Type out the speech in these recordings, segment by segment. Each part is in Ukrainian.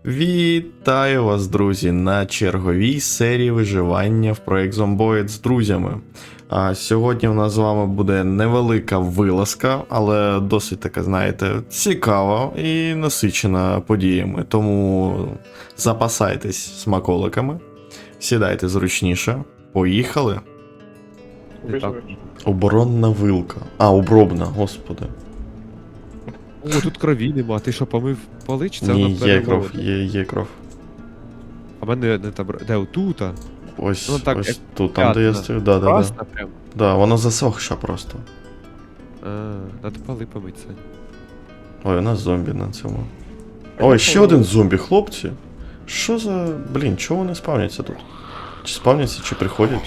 Вітаю вас, друзі, на черговій серії виживання в проект Zomboid з друзями. А сьогодні у нас з вами буде невелика вилазка, але досить така, знаєте, цікава і насичена подіями. Тому запасайтесь смаколиками, сідайте зручніше, поїхали. Так. Оборонна вилка. А, обробна, господи. О, тут крові нема. Ти що, помив поли, чи це Ні, вона є кров, перемолота? є кров. А в мене не там. Де отута? Ось, Ну, так, ось як тут, там де я п'ятна. стою, да. Красна прям. Да, воно засохше просто. Надо поли помити, Сань. Ой, у нас зомбі на цьому. Ой, ще один зомбі, хлопці. Що за. Блін, чого вони спавняться тут? Чи спавняться, чи приходять?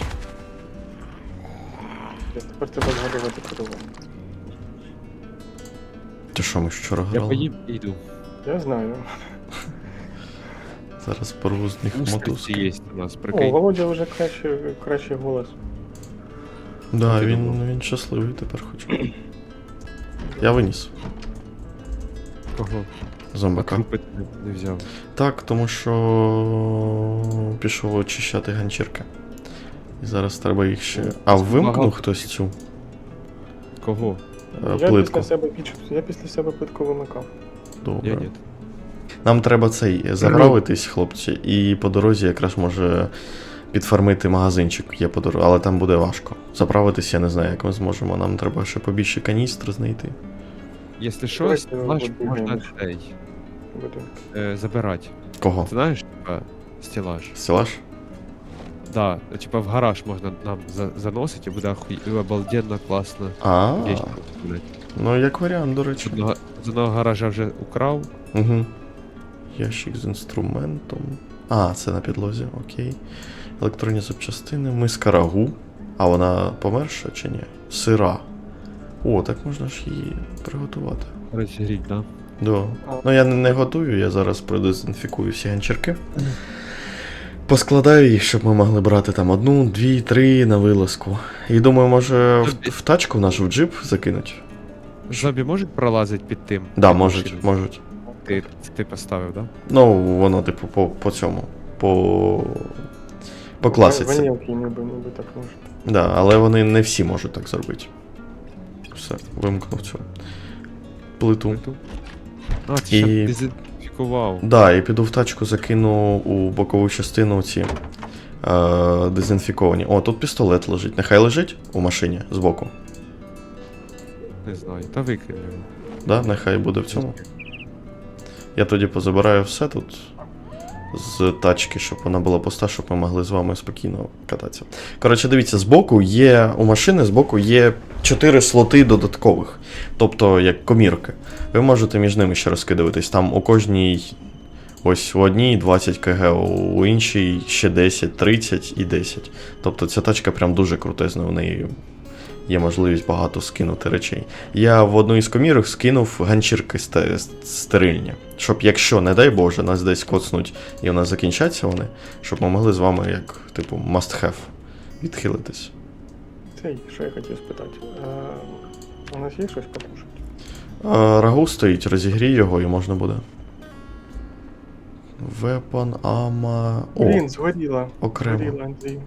Тепер треба згадувати крову. Ти що, ми вчора Я грали? поїм і йду. Я знаю. Зараз порву з них Устриці мотузки. є у нас, О, прикинь. Володя вже кращий голос. Да, Ти він, думав? він щасливий тепер хоч. Я виніс Кого? зомбака. Крупи не взяв. Так, тому що пішов очищати ганчірки. І зараз треба їх ще. А вимкнув Багато. хтось цю Кого? плитку. Я після себе плитку вимикав. Добре. Я ні. Нам треба цей заправитись, хлопці, і по дорозі якраз може підфармити магазинчик є по дорозі, але там буде важко. Заправитись я не знаю, як ми зможемо. Нам треба ще побільше каністр знайти. Якщо що, Давайте стелаж будемо можна ще. цей, Будинок. забирати. Кого? Ти знаєш, типа, стелаж? Стелаж? Да, типа в гараж можна нам заносити, і буде обалденно, класно. А, Вещи блядь. ну як варіант, до речі. З одного гаража вже украв. Угу. Ящик з інструментом. А, це на підлозі, окей. Електронні запчастини, миска рагу. А вона померша чи ні? Сира. О, так можна ж її приготувати. Розігріть, да? Да. Ну я не готую, я зараз продезінфікую всі ганчірки. Поскладаю їх, щоб ми могли брати там 1, 2, 3 на вилазку. І думаю, може в тачку нашу в джип закинуть? Зомбі можуть пролазити під тим? Да, Під можуть, машиною? можуть. Ти поставив, да? Ну, воно, типу, по цьому. По класиці. Ванілки ніби так можна. Да, але вони не всі можуть так зробити. Все, вимкнув цю плиту. А, ти І- ще дезінфікував. Да, і піду в тачку, закину у бокову частину ці дезінфіковані. О, тут пістолет лежить. Нехай лежить у машині збоку. Не знаю, та викинь його. Да, нехай буде в цьому. Я тоді позабираю все тут з тачки, щоб вона була пуста, щоб ми могли з вами спокійно кататися. Коротше, дивіться, збоку є, у машини збоку є 4 слоти додаткових, тобто як комірки. Ви можете між ними ще розкидуватись. Там у кожній, ось у одній 20 кг, у іншій ще 10, 30 і 10. Тобто ця тачка прям дуже крутезна, в неї є можливість багато скинути речей. Я в одну із комірок скинув ганчірки стерильні. Щоб якщо, не дай Боже, нас десь коцнуть і у нас закінчаться вони, щоб ми могли з вами, як, типу, must have, відхилитись. Цей, що я хотів спитати. У нас є щось покушати? Рагу стоїть, розігрій його і можна буде. Weapon, ammo... О, Блін, згоріла. окремо. Згоріла, Андрій.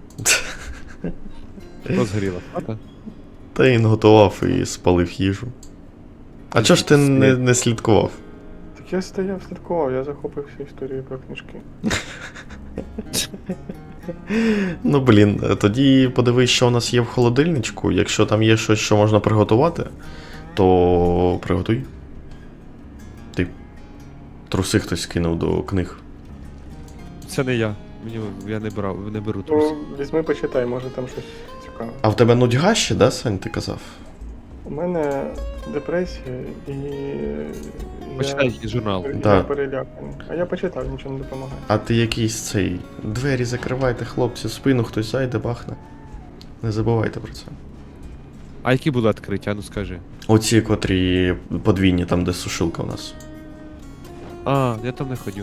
Що згоріло? Хата? Та він готував і спалив їжу. А чого ж ти не слідкував? Так я стояв, слідкував, я захопився історією про книжки. Ну, блін, тоді подивись, що у нас є в холодильничку. Якщо там є щось, що можна приготувати, то приготуй. Ти труси хтось кинув до книг. Це не я. Я не беру трус. Ну, візьми, почитай, може там щось цікаве. А в тебе нудьга ще, да, Сань, ти казав? У мене депресія і... Почитай журнал. Я Да. переляканий. А я почитав, нічого не допомагає. А ти якийсь цей. Двері закривайте, хлопці, в спину хтось зайде, бахне. Не забувайте про це. А які були відкриті, а ну скажи. Оці, котрі подвійні, там, де сушилка у нас. А, я там не ходив.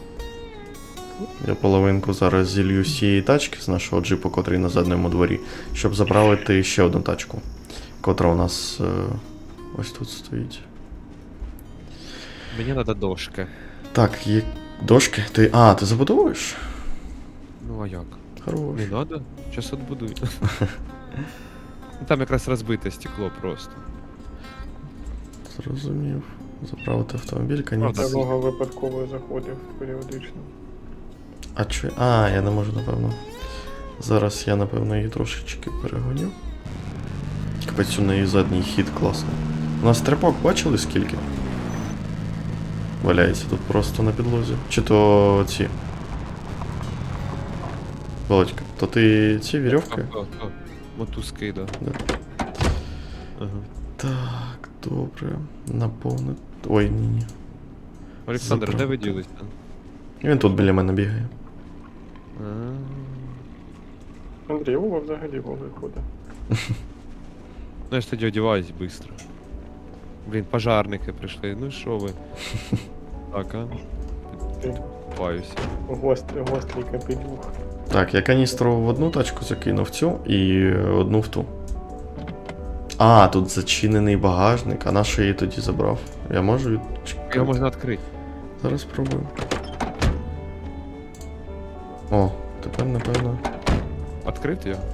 Я половинку зараз зілью з цієї тачки, з нашого джипу, котрий на задньому дворі, щоб заправити ще одну тачку, котра у нас ось тут стоїть. Мені треба дошка. Так, Дошки? Ти. А, ти забудовуєш? Ну а як? Хорош. Не надо? Щас отбудую. Ну, там якраз розбите стекло просто. Зрозумів. Заправити автомобіль, конець. Я много випадково заходив періодично. А чи. А, я не можу, напевно. Зараз я, напевно, її трошечки перегоню. Капець, у неї задній хід класний. У нас трепок бачили скільки? Валяється тут просто на підлозі. Чи то ці. Володька, то ти ці вірьовки? Мотузки, да. Да. Ага. Так, добре. Наповнити. Ой, ні. Олександр, де ви Заправити. ділись? Він тут біля мене бігає. Андрій, Вова взагалі Вова ходить. Ну я ж тоді одіваюсь швидко. Блін, пожарники прийшли, ну що ви? Так, а? Ти Купаюся. гострий капелюх. Так, я каністру в одну тачку закинув цю і одну в ту. А, тут зачинений багажник, а на що я її тоді забрав? Я можу відчекати? Його можна відкрити. Зараз спробую. О, тепер, напевно. Відкрити його?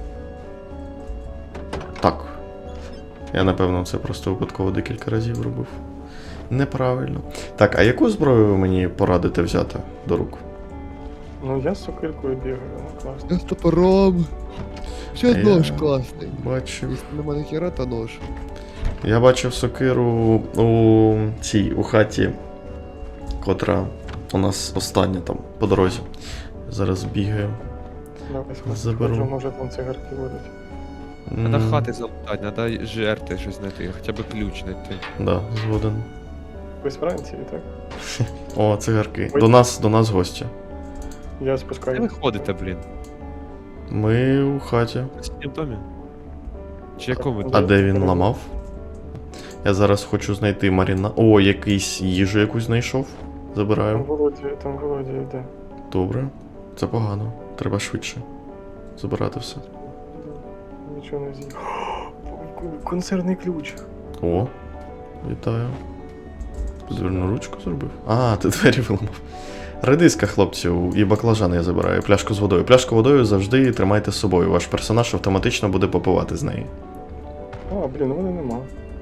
Так. Я, напевно, це просто випадково декілька разів робив. Неправильно. Так, а яку зброю ви мені порадите взяти до рук? Ну я з сокиркою бігаю, ну класно. Я з топором. Ще Я нож класний. Бачив. Якщо нема ніхера, то нож. Я бачив сокиру у хаті, котра у нас остання там по дорозі. Зараз бігаю. Давай Заберу. схожу, може там цигарки будуть. Надо хати залутати, надо жерти щось знайти, хоча б ключ знайти. Да, згоден. Ви з Франції, так? О, цигарки. Ой. До нас гості. Я Де ви спускаюсь. ходите, блін? Ми у хаті. В синім домі? Чи якому? А де він ламав? Я зараз хочу знайти Маріна. О, якийсь їжу якусь знайшов. Забираю. Там Володя йде. Добре. Це погано. Треба швидше. Забирати все. Нічого не з'їв. Консервний ключ. О, вітаю. Дверну ручку зробив. А, ти двері виламав. Редиска, хлопців, і баклажани я забираю. Пляшку з водою. Пляшку водою завжди тримайте з собою. Ваш персонаж автоматично буде попивати з неї. А, блін, у мене нема.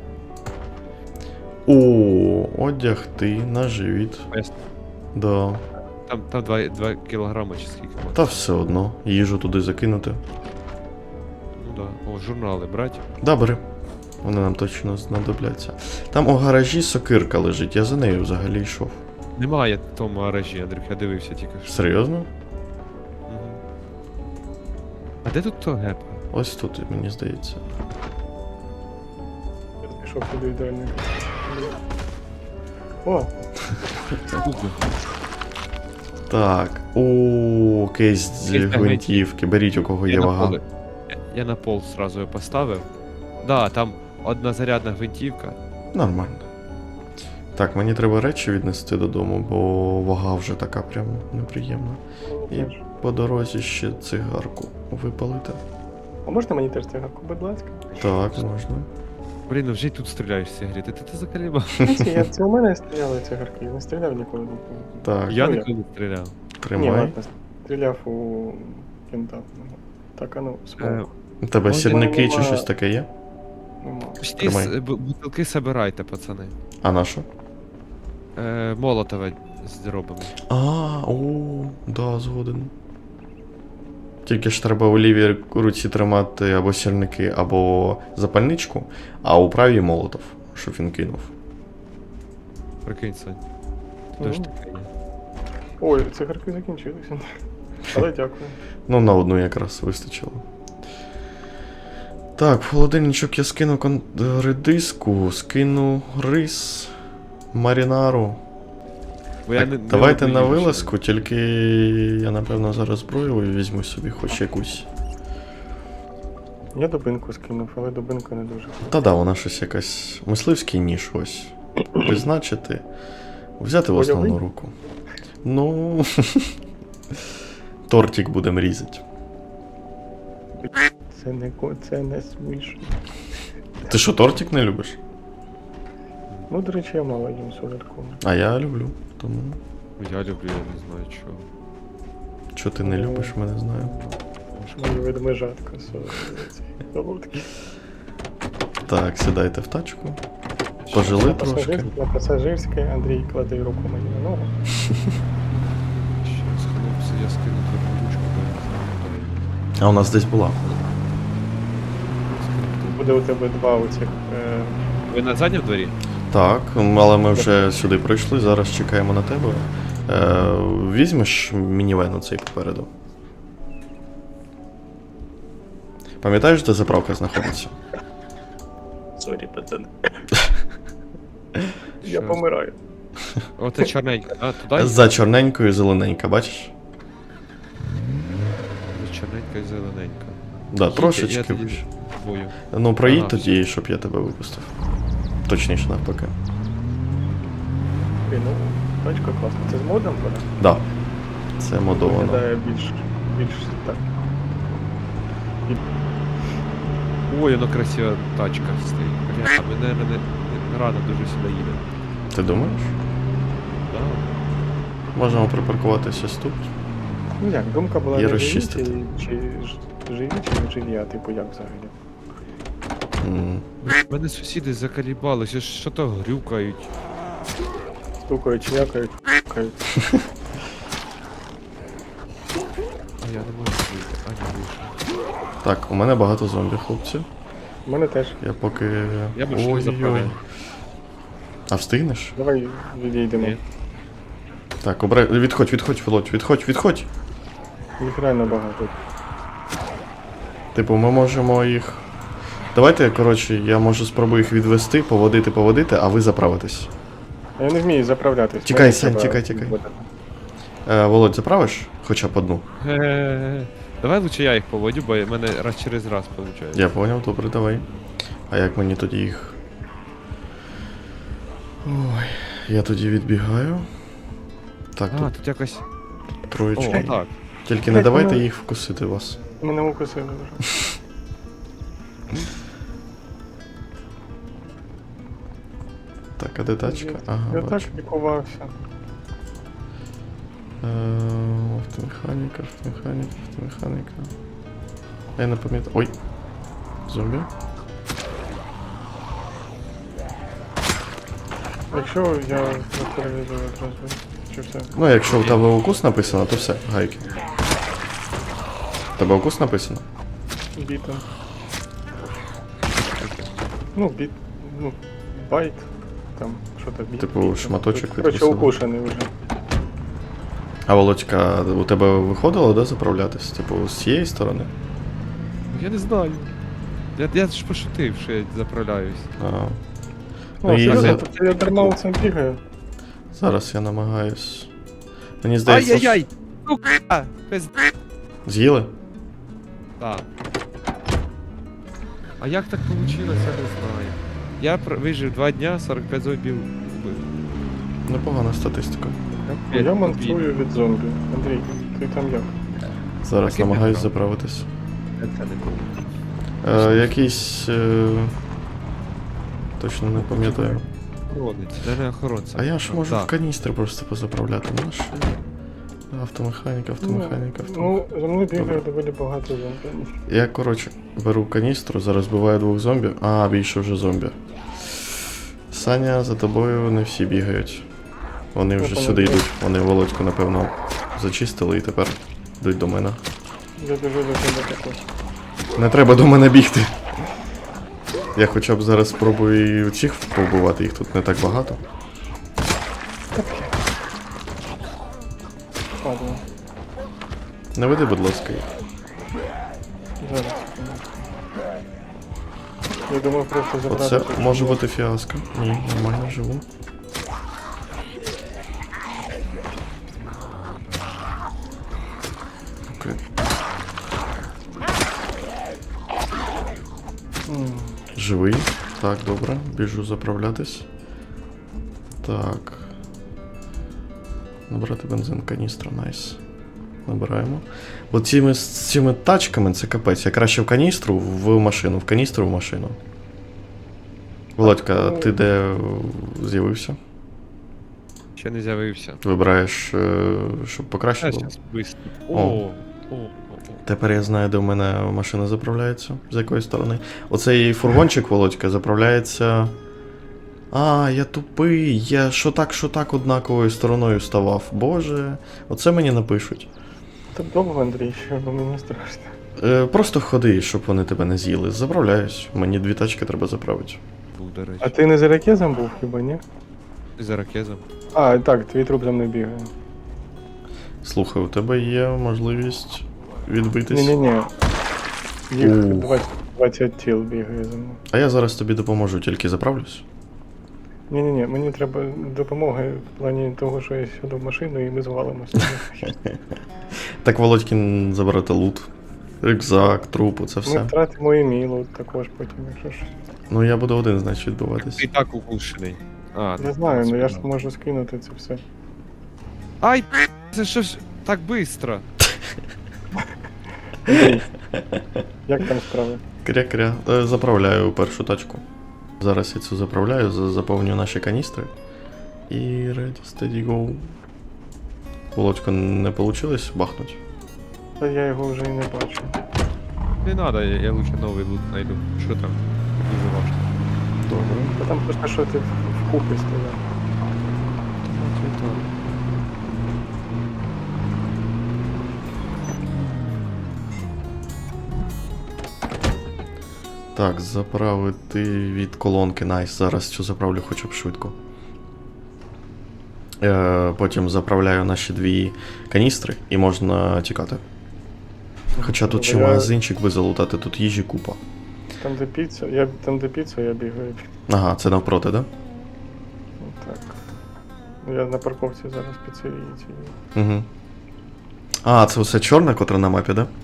О, одягти на живіт. Ясно. Да. Там 2 кілограми чи скільки може. Та все одно. Їжу туди закинути. Ну да. О, журнали брать. Да, бери. Вони нам точно знадобляться. Там у гаражі сокирка лежить, я за нею взагалі йшов. Немає в тому гаражі, Андрюх, я дивився тільки що. Серйозно? Мгм. А де тут то гепа? Ось тут, мені здається. Я пішов сюди ідеальний. О, Губи. Так. О, кейс з Кейс на гвинтівки. Беріть, у кого є вага. Я на пол сразу його поставив. Да, там одна зарядна гвинтівка. Нормально. Так, мені треба речі віднести додому, бо вага вже така прям неприємна. І по дорозі ще цигарку випалити. а можна мені теж цигарку, будь ласка? Так, можна. Блін, ну вже й тут стріляєш з сигарети. Ти закаліба. Це у мене стріляли цигарки, я не стріляв ніколи. Так, Я ну, ніколи не стріляв. Ні, тримай. ладно, стріляв у кента. Так, а ну, смок. У тебе Ой, сірники нема. чи щось таке є? Нема. Пусті Тримай. бутилки собирайте, пацани. А на що? Молотове зробимо. А, о, да, згоден. Тільки ж треба у лівій руці тримати або сірники, або запальничку, а у правій молотов, щоб він кинув. Прикинь, Сань. Ти ж Ну. таке є. Ой, цигарки закінчилися. Але дякую. Ну, на одну якраз вистачило. Так, в холодильничок я скину редиску, скину рис, марінару. Бо я Так, не давайте одну на їжу ще вилазку, тільки я напевно зараз зброю візьму собі хоч якусь. Я дубинку скинув, але дубинка не дуже. Та да, вона щось якась мисливський ніж ось. Призначити. Взяти в основну Бойовий? руку. Ну. Тортик будемо різати. Це не смішно. Ти що, тортик не любиш? Ну, до речі, я мало їм солодкого. А я люблю, тому. Я люблю, я не знаю чого. Що ти не любиш, ми не знаю. Мої ведмежатка, солодкі. Так, сідайте в тачку. Пожили трошки. На пасажирське Андрій кладе руку мені на ногу. Щас, хлопці, я скину твою ручку, бо я не знаю, А у нас десь була. Буде у тебе два оцих. Ви на задньому дворі? Так, але ми вже сюди прийшли, зараз чекаємо на тебе. Візьмеш мінівен оцей попереду. Пам'ятаєш, де заправка знаходиться? Сорі, пацан. Я Щас. помираю. Оце чорненька, а? Туди? За чорненькою і зелененька, бачиш? За чорненька і зелененька. Да, Я трошечки тоді вище. бою. Ну, проїдь Ага, тоді, щоб я тебе випустив. Точніше, навпаки. Блін, ну, тачка класна. Це з модом вона? Да. Це модовано. Виглядає більш так. Ой, воно красива тачка стоїть. Бля, ми, наверное, не рано дуже сюди їдемо. Ти думаєш? Да. Можемо припаркуватися ось тут. Ну як, думка була І не живі, розчистити. чи живі, чи не живі, а типу як взагалі? М. У мене сусіди закалібалися, що то грюкають. Стукають, чвякають, кають. А я не можу вийти. А, не вийшов. Так, у мене багато зомбі, хлопці. У мене теж. Я поки. Я більше не заправляю. А встигнеш? Давай відійдемо. Ні. Так, відходь, Володь, відходь. Їх реально багато. Типу, ми можемо їх. Давайте, коротше, я можу спробую їх відвести, поводити, а ви заправитесь. А я не вмію заправлятись. Тікай, Мені Сань, треба тікай. відводити. Володь, заправиш? Хоча б одну. Ге-ге-ге. Давай лучше я їх поводю, бо в мене раз через раз виходить. Я поняв, добре, давай. А як мені тоді їх. Ой, я тоді відбігаю. Так, А, тут тут якось. О, троєчки. так. Тільки не давайте їх вкусити вас. Мене укусили вже. Так, а де тачка? Ага, Я так бачу. лікувався. Автомеханіка. Я не пам'ятаю. Ой. Зомбі. Якщо я затероризую одразу, чи все? Ну, якщо в тебе укус написано, то все, гайки. В тебе укус написано? Бітом. Ну, байт. Там, що то біт. Типу, бітом. шматочок Коротше, відкусили. укушений вже. А Володька, у тебе виходило, да, заправлятись? Типу, з цієї сторони? Я не знаю. Я ж пошутив, що я заправляюсь. А. О, Ну, і серйозно, це я дарма цим бігаю. зараз я намагаюсь. Мені здається. Ай-яй-яй! Сука! З'їли? Так. А як так вийшло, я не знаю. Я вижив 2 дня, 45 зомбів вбив. Непогана статистика. Я манцую від зомбі. Андрій, ти там як? Зараз Так і намагаюсь не заправитись. Це не було. Якийсь. Точно не пам'ятаю. Охоронець, це не охоронця. А я ж можу Так. в каністри просто позаправляти. Наш. Автомеханіка. Ну, за мною бігає доволі багато зомбі. Я, коротше, беру каністру, зараз вбиваю 2 зомбі. А, більше вже зомбі. Саня, за тобою не всі бігають. Вони вже сюди йдуть. Вони Володьку, напевно, зачистили і тепер йдуть до мене. Я біжу до тебе також. Не треба до мене бігти. Я хоча б зараз спробую і цих побувати, їх тут не так багато. Ладно, Не веди, будь ласка, їх. зараз. Я думав просто забрати. Оце тут. може бути фіаско. Ні, нормально живу. Окей. Живий. Так, добре. Біжу заправлятись. Так. Набрати бензин, каністра, найс. Набираємо. Бо з цими тачками це капець. Я краще в каністру в машину, в каністру в машину. Володька, ти де з'явився? Ще не з'явився. Вибираєш, щоб покраще було. Зараз быстро. О. О. Тепер я знаю, де в мене машина заправляється, з якої сторони. Оцей фургончик, Володька, заправляється. А, я тупий, я що так однаковою стороною ставав. Боже, оце мені напишуть. Так довго, Андрій, що бо мені страшно. Просто ходи, щоб вони тебе не з'їли. Заправляюсь. Мені 2 тачки треба заправити. Був, до речі. А ти не за ракезом був хіба, ні? Ти за ракезом. А, так, твій труп за мною бігає. Слухай, у тебе є можливість відбитись. Ні-ні-ні. Їх Ух. 20 тіл бігає за мною. А я зараз тобі допоможу, тільки заправлюсь. Ні-ні-ні, мені треба допомога в плані того, що я сяду в машину і ми звалимося. Так, Володькін забрати лут. Рюкзак, трупу, це Ми все. втратимо і мій лут також потім, якщо ж. Ну я буду один, значить, відбуватись. Ти і так укушений. А, Не знаю, ну я ж можу скинути це все. Ай, це що ж так быстро? Андрій, як там справи? Кря-кря. Заправляю першу тачку. Зараз я цю заправляю, заповню наші каністри. І ready, steady, go. Володько, не вийшло бахнуть? Та я його вже і не бачу. Не надо, я лучше новий лут найду. Що там? Дуже важко. Добре. Та там просто що ти вкупі стояв. Так, заправити від колонки. Найс. Зараз цю заправлю хоча б швидко. Потім заправляю наші 2 каністри і можна тікати. Хоча тут ще Я- магазинчик би залутати, тут їжі купа. Там де піца, я бігаю. Ага, це навпроти, да? Так. Я на парковці зараз піцерії цієї. Угу. А, це все чорна, котра на мапі, да?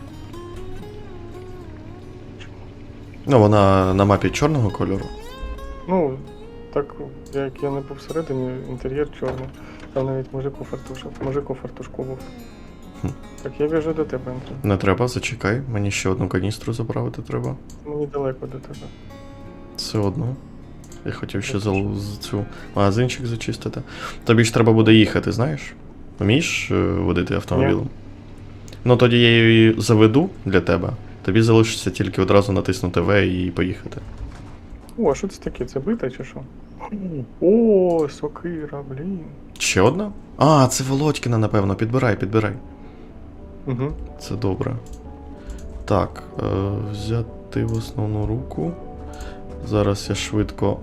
Ну, вона на мапі чорного кольору. Ну, так, як я не був всередині, інтер'єр чорний. Там навіть мужик у фартушку був. Хм. Так, я біжу до тебе, Андрій. Не треба, зачекай, мені ще одну каністру заправити треба. Мені далеко до тебе. Все одно. Я хотів ще цю магазинчик зачистити. Тобі ж треба буде їхати, знаєш? Вмієш водити автомобілем? Ну тоді я її заведу для тебе. Тобі залишиться тільки одразу натиснути В і поїхати. О, а що це таке? Це бита чи що? О, сокира, блін. Ще одна? А, це Володькіна, напевно. Підбирай. Угу. Це добре. Так, взяти в основну руку. Зараз я швидко.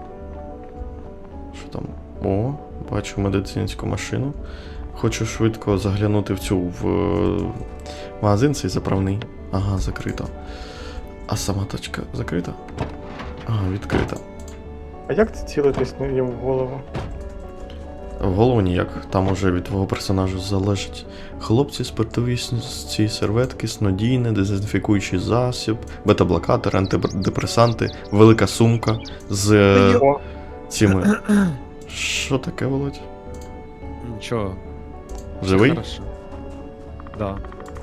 Що там? О, бачу медицинську машину. Хочу швидко заглянути в магазин цей заправний. Ага, закрито. А сама точка закрита? Ага, відкрита. А як ти цілитись їм в голову? В голову ніяк, там уже від твого персонажа залежить. Хлопці, спиртові ці серветки, снодійне, дезінфікуючий засіб, бета-блокатор, антидепресанти, велика сумка з О, цими. Що таке, Володь? Нічого. Живий? Хорошо. Да.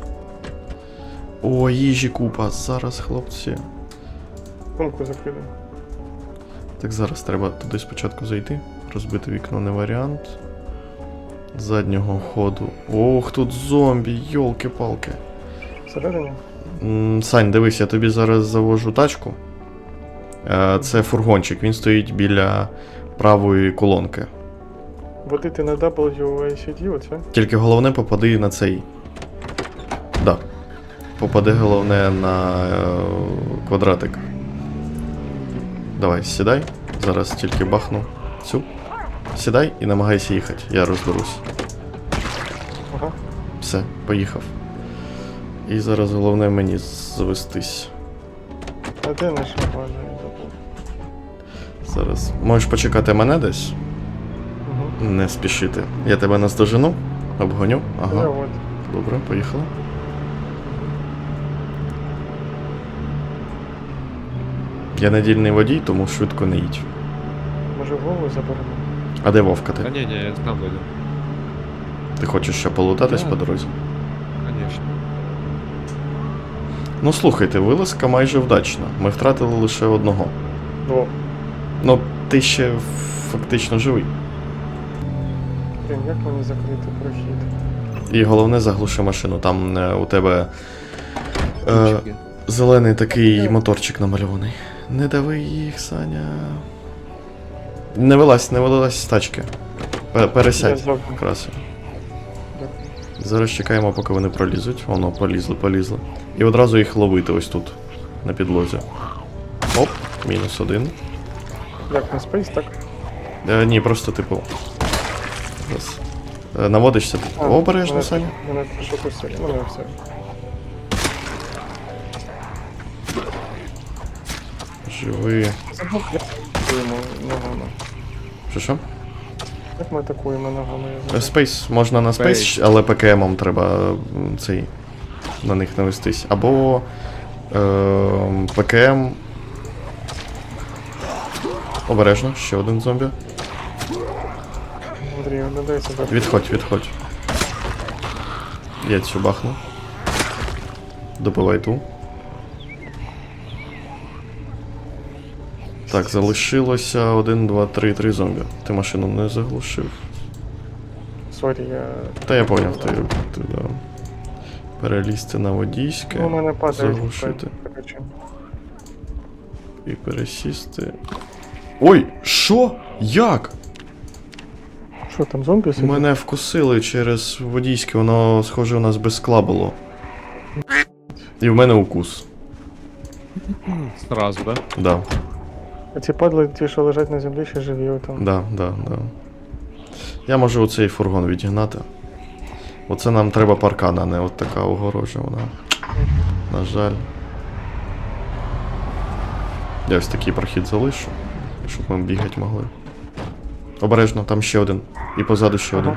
О, їжі купа. Зараз, хлопці. сумку закрили. Так, зараз треба туди спочатку зайти. Розбити вікно не варіант. З заднього ходу. Ох, тут зомбі, йолки-палки. Всередині? Сань, дивись, я тобі зараз завожу тачку. Це фургончик, він стоїть біля правої колонки. Водити на WACD, оце? Тільки головне попади на цей. Да. Попади головне на квадратик. Давай, сідай. Зараз тільки бахну цю. Сідай і намагайся їхати, я розберусь. Ага. Все, поїхав. І зараз головне мені завестись. А де наша база? Я забув. Зараз. Можеш почекати мене десь? Угу. Не спішити. Я тебе наздожену, обгоню. Я Ага. от. Добре, поїхали. Я недільний водій, тому швидко не їдь. Може голову заберемо? А де Вовка Та ти? ні, я сам вийду. Ти хочеш ще полутатись Да. по дорозі? Конечно. Ну слухайте, вилазка майже вдачна. Ми втратили лише одного. О, Ну, ти ще фактично живий. Блін, як мені закрити прохід? І головне заглуши машину. Там у тебе Ключики. зелений такий моторчик намальований. Не дави їх, Саня. Не вилазь з тачки. Я Пересядь. зовсім. Красиво. Дякую. Зараз чекаємо, поки вони пролізуть. Воно, полізли. І одразу їх ловити ось тут, на підлозі. Оп, -1. Як на спейс, так? Ні, просто типу. Раз. Наводишся. Обережно, Саня. Мене прошу кусили, мене все. Живи. Забув, як атакуємо ногами. Що? Як ми атакуємо ногами? Я забув. Спейс, можна на спейс, але ПКМом треба цей на них навестись. Або ПКМ. Обережно, ще один зомбі. Андрій, не дай себе. Відходь. Я цю бахну. Добивай ту. Так, залишилося 1, 2, 3 зомбі. Ти машину не заглушив. Сорі, я... Та я поняв, ти да. Перелізти на водійське, Ну, у мене падає. заглушити Короче. і пересісти. Ой, що? Як? Що там, зомбі сидять? Мене вкусили через водійське, воно схоже у нас без скла було. І в мене укус. Сразу, да? Да, А ці падли, ті, що лежать на землі, ще живі отам. да. Я можу оцей фургон відігнати. Оце нам треба паркан, а не от така огорожа вона. На жаль. Я ось такий прохід залишу, щоб ми бігати могли. Обережно, там ще один. І позаду ще один.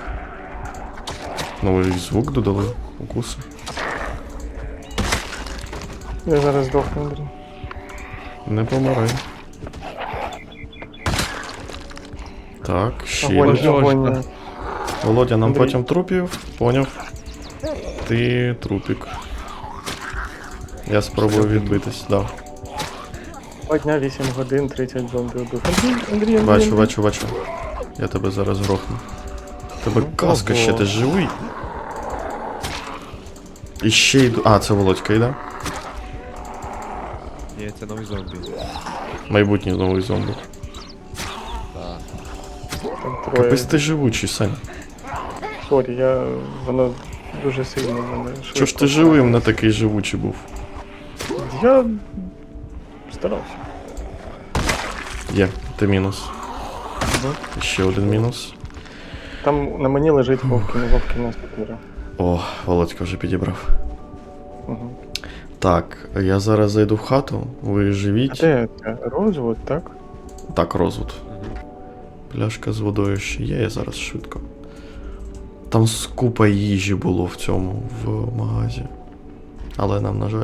Новий звук додали. Укуси. Я зараз здохну, Андрій. Не помирай. Так, ще Огонь, один. огонь. Володя, нам Андрій. потім трупів, поняв. Ти трупік. Я спробую відбитись, да. 2 дня, 8 годин, 30 зомбі убив. Андрій. Бачу. Я тебе зараз грохну. Тебе каска ще, ти живий. І ще йду. А, це Володька йде. Ні, це новий зомбі. Майбутній новий зомбі. Там троє. Капець ти живучий, Сань. Сорі, воно дуже сильно мене швидко. Чого ж ти живим не такий живучий був? Я старався. Є, ти мінус. І ще один мінус. Там на мені лежить Вовкін сапіра. О, Володька вже підібрав. Угу. Так, я зараз зайду в хату, ви А живіть. де це? Розвод, так? Так, розвод. Угу. Пляшка з водою ще є, я зараз швидко. Там скупа їжі було в цьому, в магазі. Але нам, на жаль.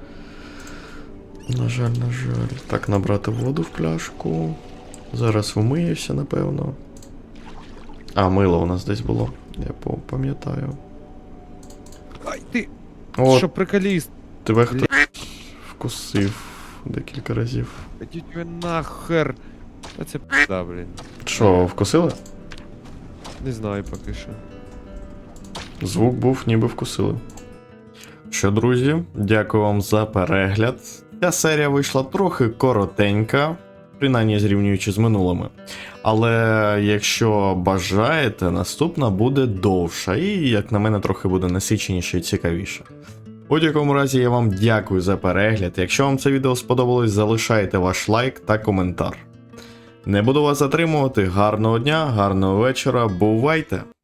На жаль. Так, набрати воду в пляшку. Зараз вмиюся, напевно. А, мило у нас десь було. Я пам'ятаю. Ай, ти! О, Що приколіст? тебе хтось вкусив декілька разів. Ідіть ви нахер! А це пизда, блін. Що, вкусили? Не знаю поки що. Звук був, ніби вкусили. Що, друзі, дякую вам за перегляд. Ця серія вийшла трохи коротенька, принаймні зрівнюючи з минулими. Але якщо бажаєте, наступна буде довша і, як на мене, трохи буде насиченіше і цікавіше. У будь-якому разі я вам дякую за перегляд. Якщо вам це відео сподобалось, залишайте ваш лайк та коментар. Не буду вас затримувати. Гарного дня, гарного вечора, бувайте!